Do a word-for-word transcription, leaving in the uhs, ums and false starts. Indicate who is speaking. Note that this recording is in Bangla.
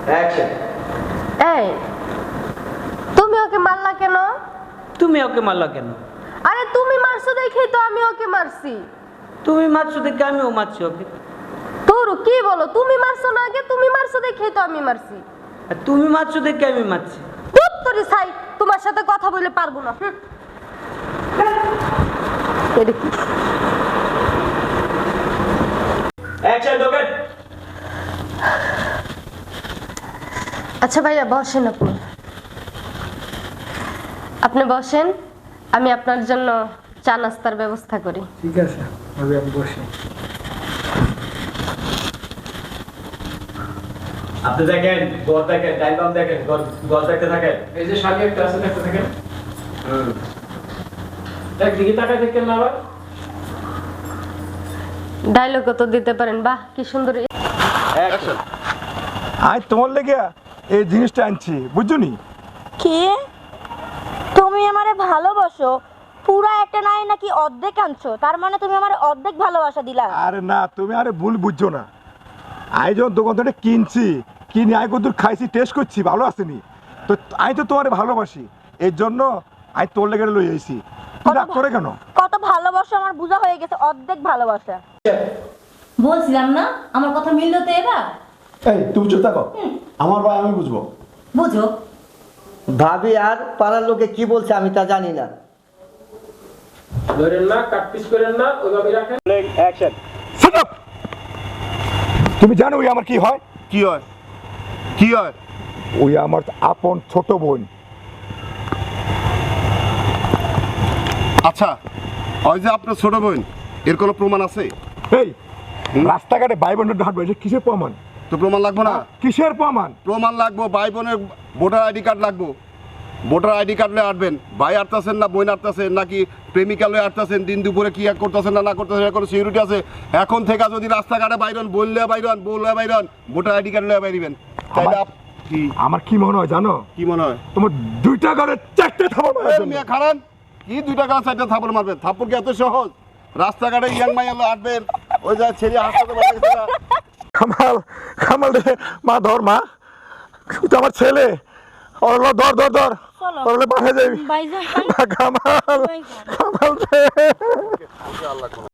Speaker 1: অ্যাকশন।
Speaker 2: এই তুমি ওকে মারলা কেন?
Speaker 3: তুমি ওকে মারলা কেন?
Speaker 2: আরে তুমি মারছো দেখেই তো আমি ওকে মারছি।
Speaker 3: তুমি মারছো দেখে আমিও মারছি ওকে।
Speaker 2: তোর কি বলো, তুমি মারছো না আগে? তুমি মারছো দেখেই তো আমি মারছি।
Speaker 3: আর তুমি মারছো দেখে আমি মারছি।
Speaker 2: চুপ তোরে ছাই, তোমার সাথে কথা বলে পারবো না। এটা কি?
Speaker 1: Action docket.
Speaker 2: আচ্ছা ভাইয়া বসেন, আপনি আপনি বসেন, আমি আপনার জন্য চা নাস্তার ব্যবস্থা করি।
Speaker 4: ঠিক আছে, আমি আমি বসি।
Speaker 1: আপনি দেখেন, গড় দেখেন, টাইম বাম দেখেন, গড় গড় দেখতে থাকেন।
Speaker 4: এই যে সামনে একটা আছে, দেখতে থাকেন।
Speaker 1: হুম।
Speaker 4: একদিকে তাকায় দেখেন না আবার।
Speaker 2: ডায়লগ তো দিতে পারেন, বাহ কি সুন্দর।
Speaker 1: অ্যাকশন।
Speaker 5: আজ তোমার লেগে এই জিনিসটা আনছি, বুঝছো নি?
Speaker 6: কি তুমি আমারে ভালোবাসো? পুরা একটা নাই নাকি অর্ধেক আনছো? তার মানে তুমি আমারে অর্ধেক ভালোবাসা দিলা?
Speaker 5: আরে না, তুমি আরে ভুল বুঝছো না। আই যখন দোকান থেকে কিনছি, কিনে আই কত খাইছি, টেস্ট করছি, ভালো আসেনি তো। আমি তো তোমারে ভালোবাসি, এর জন্য আমি তোর লেগে লই আইছি। তুই রাগ করে কেন?
Speaker 6: কত ভালোবাসা আমার বোঝা হয়ে গেছে, অর্ধেক ভালোবাসা।
Speaker 7: বলছিলাম না আমার কথা মিললো তো এবার?
Speaker 8: এই তুমি চুপ থাকো, আমার ভাই আমি বুঝবো।
Speaker 7: বুঝো।
Speaker 9: ভাবি আর পাড়ার লোকে কি বলছে আমি তা জানি না।
Speaker 4: ধরেন না, কাট পিস করেন না, ওইভাবে রাখেন।
Speaker 1: অ্যাকশন।
Speaker 5: Shut up! তুমি জানো ওই আমার কি হয়?
Speaker 8: কি হয় কি হয়?
Speaker 5: ওই আমার আপন ছোট বোন।
Speaker 8: আচ্ছা, ওই যে আপনার ছোট বোন, এর কোনো প্রমাণ আছে?
Speaker 5: এই রাস্তাঘাটে ভাই বোনের হাঁটবে, এটা কিসের প্রমাণ?
Speaker 8: তো প্রমাণ লাগবে না?
Speaker 5: কিসের প্রমাণ?
Speaker 8: প্রমাণ লাগবো, ভাই বোনের ভোটার আইডি কার্ড লাগবো। ভোটার আইডি কার্ড লয়ে আসবেন। ভাই আটতাছেন না বোন আটতাছেন, নাকি প্রেমিকা লয়ে আটতাছেন, দিন দুপুরে কি এক করতেছেন না না করতেছেন, কোনো সিকিউরিটি আছে? এখন থেকে যদি রাস্তাঘাটে বাইরন, বললে বাইরন, বললে বাইরন, ভোটার আইডি কার্ড লয়ে বাইরিবেন। তাইলে আপ- কি
Speaker 5: আমার কি মনে হয় জানো?
Speaker 8: কি মনে হয়?
Speaker 5: তোমার দুইটা ঘরে চারটে থাপড় মারার
Speaker 8: এই
Speaker 5: জন্য।
Speaker 8: মিয়া খারান, কি দুইটা গাছ চারটা থাপড় মারবেন? থাপ্পড় কি এত সহজ? রাস্তাঘাটে ইয়াং মাইয়া লো আটবেন, ওই যা ছেলে হাসপাতালে বাইরে গেছে না।
Speaker 5: কামাল, কামাল রে, মা ধর মা, তুই তো আমার ছেলে। ওর লো, ধর ধর ধর, ওর লো পাঠিয়ে যাবি।
Speaker 6: ভাইজান
Speaker 5: কামাল, কামাল রে।